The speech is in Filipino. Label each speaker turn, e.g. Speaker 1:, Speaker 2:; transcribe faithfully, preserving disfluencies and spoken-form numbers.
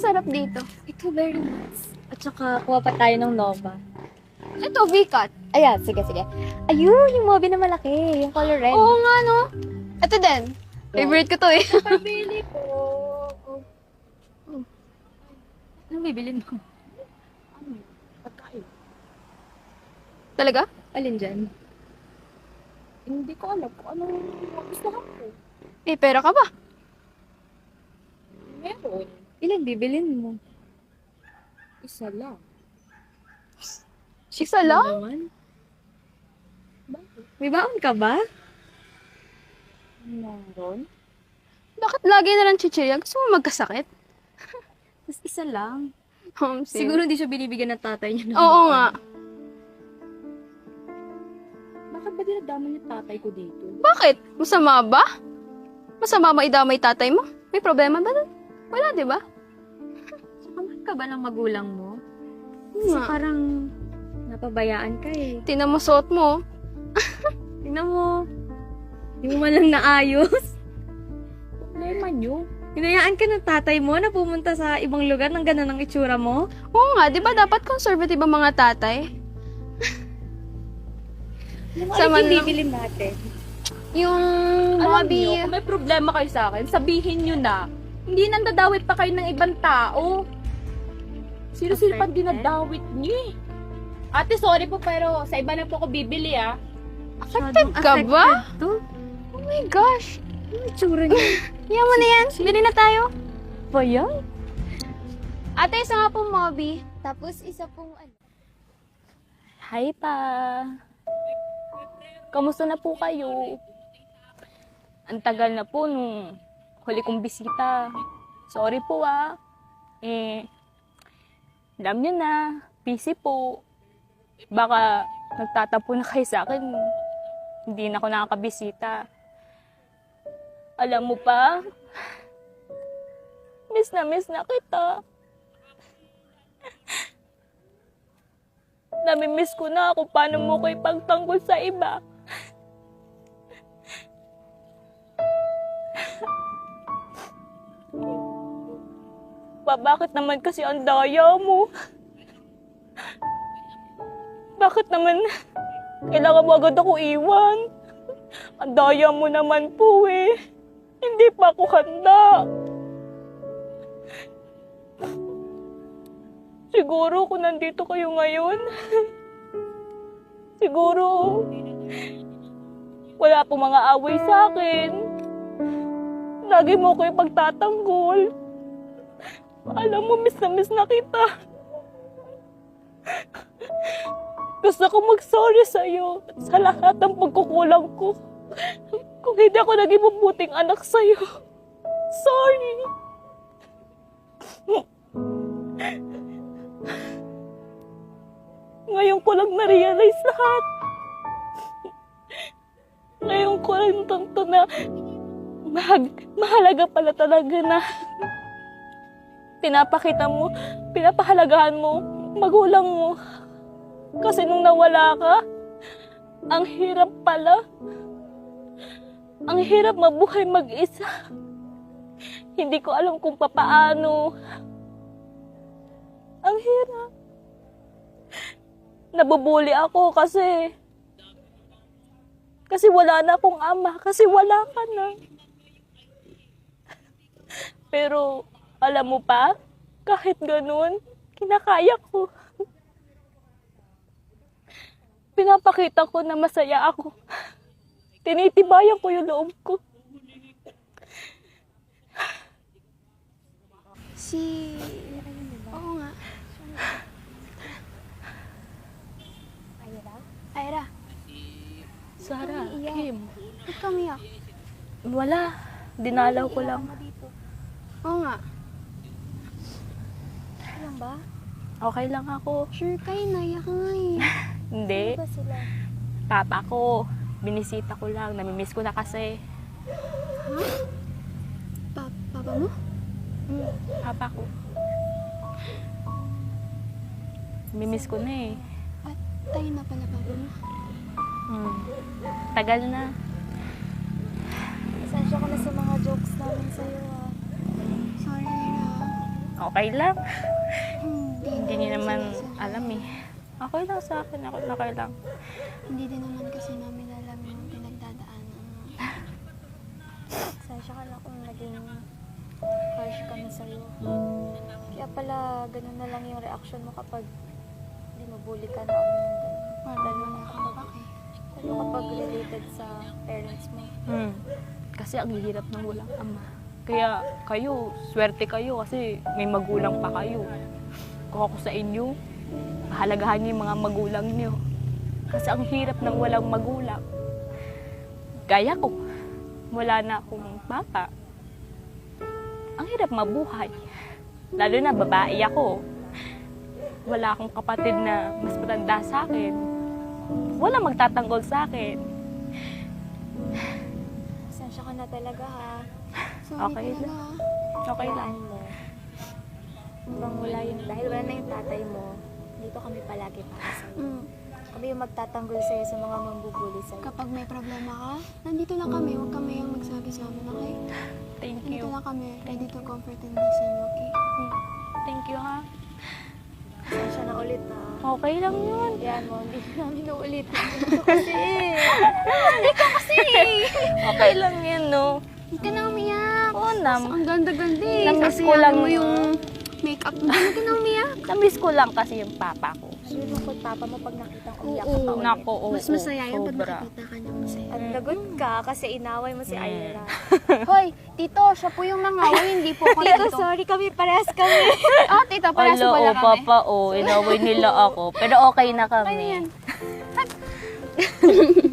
Speaker 1: sarap dito.
Speaker 2: Ito very nice. At saka, kuha pa tayo ng Nova.
Speaker 1: Ito, V-cut.
Speaker 2: Ayan, sige, sige. Ayun, yung Mobi na malaki. Yung color red.
Speaker 1: Oo nga, no? Ito din. Favorite ko to eh.
Speaker 2: Pabili ko. Oh. Anong bibilin mo? Ano? Pagkain.
Speaker 1: Talaga?
Speaker 2: Alin dyan? Hindi ko alam kung anong gusto ko.
Speaker 1: Eh, pera ka ba?
Speaker 2: Meron. Ilan bibilin mo? Isa lang.
Speaker 1: Isa lang?
Speaker 2: Naman? Bakit? May baon ka ba? Meron.
Speaker 1: Bakit lagi na lang chichirya? Gusto mo magkasakit?
Speaker 2: Tapos isa lang.
Speaker 1: Um,
Speaker 2: Siguro hindi siya binibigyan ng tatay niya. ng
Speaker 1: Oo
Speaker 2: baon.
Speaker 1: nga.
Speaker 2: Bakit ba dinadama niya tatay ko dito?
Speaker 1: Bakit? Masama ba? Masama ba idamay tatay mo? May problema ba doon? Wala, di ba?
Speaker 2: Saka mahal ka ba ng magulang mo?
Speaker 1: Oo
Speaker 2: Kasi
Speaker 1: nga.
Speaker 2: parang napabayaan ka eh.
Speaker 1: Tingnan mo suot mo.
Speaker 2: Tingnan mo. Hindi mo man lang naayos. Problema nyo. Hinayaan ka ng tatay mo na pumunta sa ibang lugar ng gano'n ang itsura mo?
Speaker 1: Oo nga, di ba dapat conservative ang mga tatay?
Speaker 2: Ano
Speaker 1: Sama
Speaker 2: yung
Speaker 1: lang.
Speaker 2: bibilin natin?
Speaker 1: Yung
Speaker 3: Alam
Speaker 1: Mobi...
Speaker 3: niyo, kung may problema kayo sa akin, sabihin niyo na. Hindi nandadawit pa kayo ng ibang tao. Sino-sino pa
Speaker 2: Affected?
Speaker 3: dinadawit niyo eh. Ate, sorry po pero sa iba na po ako bibili ah.
Speaker 1: Affected ka ba?
Speaker 2: To?
Speaker 1: Oh my gosh.
Speaker 2: Ano yung itsura niya?
Speaker 1: Yan mo na yan. Bili na tayo.
Speaker 2: Ba yan?
Speaker 1: Ate, isa nga pong Mobi. Tapos isa pong ano.
Speaker 3: Hi pa. Kamusta na po kayo? Ang tagal na po nung huli kong bisita. Sorry po ah. Eh, alam niyo na, busy po. Baka nagtatapo na kayo sa akin. Hindi na ako nakakabisita. Alam mo pa, miss na miss na kita. Namimiss ko na kung paano mo ko ipagtanggol sa iba. Pa, bakit naman kasi ang daya mo? Bakit naman kailangan mo agad ako iwan? Ang daya mo naman po eh. Hindi pa ako handa. Siguro kung nandito kayo ngayon, siguro wala pong mga away sa akin. Lagi mo ko yung pagtatanggol. Alam mo, miss na miss na kita. Gusto ko mag-sorry sa'yo sa lahat ng pagkukulang ko. Kung hindi ako naging mabuting anak sa'yo. Sorry. Ngayon ko lang na-realize lahat. Ngayon ko lang tunto na mahag, mahalaga pala talaga na pinapakita mo, pinapahalagahan mo, magulang mo. Kasi nung nawala ka, ang hirap pala. Ang hirap mabuhay mag-isa. Hindi ko alam kung papaano. Ang hirap. Nabubuli ako kasi kasi wala na akong ama, kasi wala ka na. Pero alam mo pa, kahit ganun, kinakaya ko. Pinapakita ko na masaya ako. Tinitibayan ko yung loob ko.
Speaker 1: Si... Oo nga.
Speaker 2: Ayra?
Speaker 1: Ira,
Speaker 3: Sarah,
Speaker 1: Iyak.
Speaker 3: Kim.
Speaker 1: ba't ka umiyak?
Speaker 3: Wala. Dinalaw ko lang.
Speaker 1: Oo nga.
Speaker 2: Alam ba?
Speaker 3: Okay lang ako.
Speaker 1: Sure kayo, naiyak ka nga eh.
Speaker 3: Hindi.
Speaker 2: Ano ba sila?
Speaker 3: Papa ko. Binisita ko lang. Namimiss ko na kasi.
Speaker 1: Pa papa mo?
Speaker 3: Hmm, papa ko. Namimiss ko na eh.
Speaker 1: At tayo na pala papa mo.
Speaker 3: Hmm. Tagal na.
Speaker 2: Pasensya ka na sa mga jokes namin sa'yo ah.
Speaker 1: Sorry, Ira.
Speaker 3: Okay lang.
Speaker 1: Hindi,
Speaker 3: Hindi niya naman
Speaker 1: sinasadya.
Speaker 3: alam eh. Okay lang sa akin. Okay, okay lang.
Speaker 1: Hindi din naman kasi namin alam yung pinagdadaanan mo.
Speaker 2: Pasensya ka na kung naging harsh kami sa'yo. Kaya pala, ganun na lang yung reaction mo kapag hindi mabuli ka na kami ng ganun.
Speaker 1: Lalo na nakakapak eh.
Speaker 2: Lalo kapag related sa parents mo.
Speaker 3: Hmm. Kasi ang hirap ng walang ama. Kaya kayo, swerte kayo kasi may magulang pa kayo. Kung ako sa inyo, pahalagahan niyo yung mga magulang niyo. Kasi ang hirap ng walang magulang. Gaya ko, wala na akong papa. Ang hirap mabuhay. Lalo na babae ako. Wala akong kapatid na mas matanda sa akin. Wala magtatanggol sa akin.
Speaker 2: Pasensya ka na talaga ha.
Speaker 1: Sorry
Speaker 3: Okay
Speaker 1: talaga.
Speaker 3: lang.
Speaker 1: ah.
Speaker 3: Okay lang.
Speaker 2: Hayaan mo. Hanggang wala yun, dahil wala na yung tatay mo, dito kami palagi para sa'yo.
Speaker 1: Mm.
Speaker 2: Kami yung magtatanggol sa'yo sa mga mambubuli sa'yo.
Speaker 1: Kapag may problema ka, nandito lang kami. Huwag kami yung magsabi sa amin, okay?
Speaker 3: Thank
Speaker 1: Nandito
Speaker 3: you.
Speaker 1: lang kami. Ready to comfort and listen, okay?
Speaker 3: Thank you ha.
Speaker 2: Pasensya na ulit ha.
Speaker 3: Okay lang yun.
Speaker 2: Yan mo, hindi namin uulitin. Ito kasi.
Speaker 3: Okay lang yan, no?
Speaker 1: Hindi ka na umiyak.
Speaker 3: Oo, nam.
Speaker 1: Ang ganda-ganda eh.
Speaker 3: Namiss
Speaker 1: Kasi
Speaker 3: ko lang
Speaker 1: mo
Speaker 3: yun.
Speaker 1: yung makeup mo. Hindi ka na umiyak.
Speaker 3: Namiss ko lang kasi yung papa ko.
Speaker 2: Lulungkot papa mo pag nakita kong umiyak
Speaker 1: Oo.
Speaker 2: ka pa ulit.
Speaker 3: Nako, oo.
Speaker 1: Mas masaya yan pag
Speaker 3: sobra.
Speaker 1: nakikita ka niya masaya.
Speaker 2: At lagot ka kasi inaway mo si
Speaker 3: Mm.
Speaker 2: Ira.
Speaker 1: Hoy, tito, siya po yung nangaway, hindi po ako
Speaker 2: Tito,
Speaker 1: tito.
Speaker 2: sorry kami, parehas kami.
Speaker 1: Oh, tito, para sa
Speaker 3: Ala,
Speaker 1: pala
Speaker 3: oh,
Speaker 1: kami.
Speaker 3: papa, oh. Inaway nila ako. Pero okay na kami.
Speaker 1: Ano yan?